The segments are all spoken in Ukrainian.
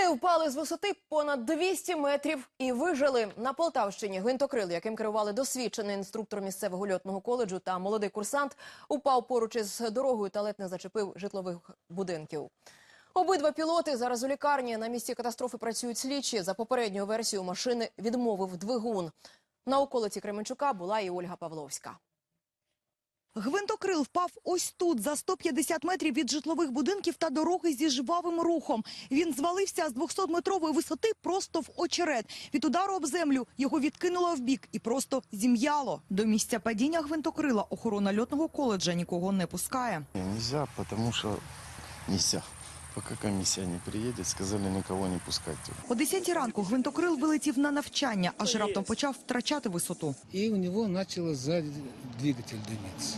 Вони впали з висоти понад 200 метрів і вижили. На Полтавщині гвинтокрил, яким керували досвідчений інструктор місцевого льотного коледжу та молодий курсант, упав поруч із дорогою та ледь не зачепив житлових будинків. Обидва пілоти зараз у лікарні. На місці катастрофи працюють слідчі. За попередньою версією, машини відмовив двигун. На околиці Кременчука була і Ольга Павловська. Гвинтокрил впав ось тут, за 150 метрів від житлових будинків та дороги зі жвавим рухом. Він звалився з 200-метрової висоти просто в очерет. Від удару об землю його відкинуло вбік і просто зім'яло. До місця падіння гвинтокрила охорона льотного коледжа нікого не пускає. Нельзя, потому что нельзя. Пока комиссия не приедет, сказали никого не пускать. О 10 ранку гвинтокрил вилетів на навчання, аж раптом почав втрачати висоту. И у него начал сзади двигатель дымиться.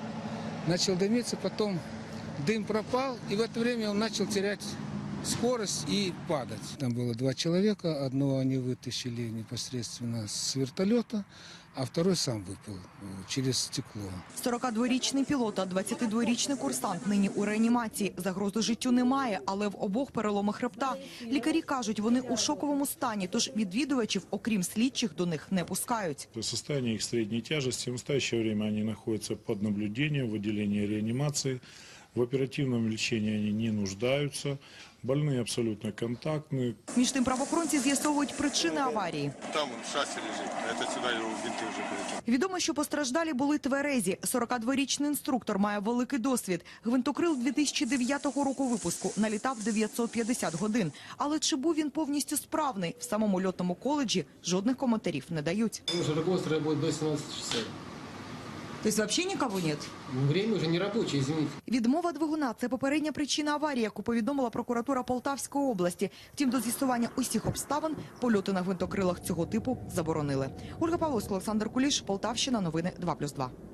Начал дымиться, потом дым пропал, и в это время он начал терять скорость и падать. Там было 2 человека, одного они вытащили непосредственно с вертолета, а второй сам выпал через стекло. 42-річний пілот та 22-річний курсант нині у реанімації. Загрози життю немає, але в обох переломи хребта. Лікарі кажуть, вони у шоковому стані, тож відвідувачів, окрім слідчих, до них не пускають. Состояние их средней тяжести. В настоящее время они находятся под наблюдением в отделении реанимации. В оперативном лечении они не нуждаются. Больные абсолютно контактные. Між тим правоохоронці з'ясовують причини аварії. Там шасси лежит, а это сюда его винты уже полетели. Відомо, що постраждалі були тверезі. 42-річний інструктор має великий досвід. Гвинтокрил 2009 року випуску, налітав 950 годин. Але чи був він повністю справний? В самому льотному коледжі жодних коментарів не дають. Потому что руководство работает до 17 часов. Тобто взагалі нікого нет? Время уже не рабочее, извините. Відмова двигуна – це попередня причина аварії, яку повідомила прокуратура Полтавської області. Втім, до з'ясування усіх обставин польоти на гвинтокрилах цього типу заборонили. Ольга Павловська, Олександр Куліш, Полтавщина, новини 2+2.